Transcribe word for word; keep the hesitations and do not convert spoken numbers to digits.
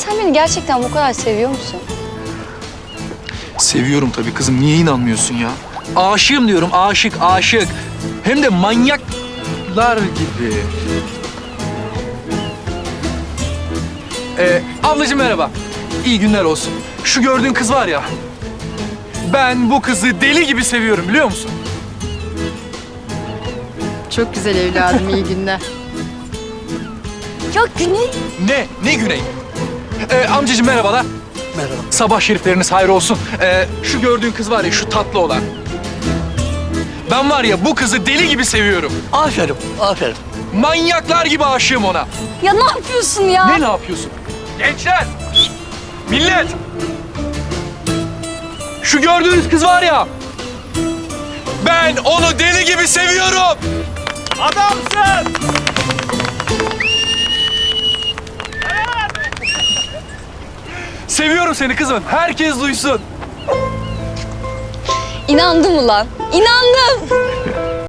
sen beni gerçekten bu kadar seviyor musun? Seviyorum tabii kızım. Niye inanmıyorsun ya? Aşığım diyorum. Aşık, aşık. Hem de manyaklar gibi. Ee, ablacığım merhaba. İyi günler olsun. Şu gördüğün kız var ya. Ben bu kızı deli gibi seviyorum biliyor musun? Çok güzel evladım, iyi günler. Ya Güney. Ne? Ne Güney? Ee, amcacığım merhabalar. Merhaba. Sabah şerifleriniz hayır olsun. Ee, şu gördüğün kız var ya, şu tatlı olan. Ben var ya bu kızı deli gibi seviyorum. Aferin, aferin. Manyaklar gibi aşığım ona. Ya ne yapıyorsun ya? Ne ne yapıyorsun? Gençler! Millet! Şu gördüğünüz kız var ya. Ben onu deli gibi seviyorum. Adamsın! Seviyorum seni kızım. Herkes duysun. İnandım ulan. İnandım.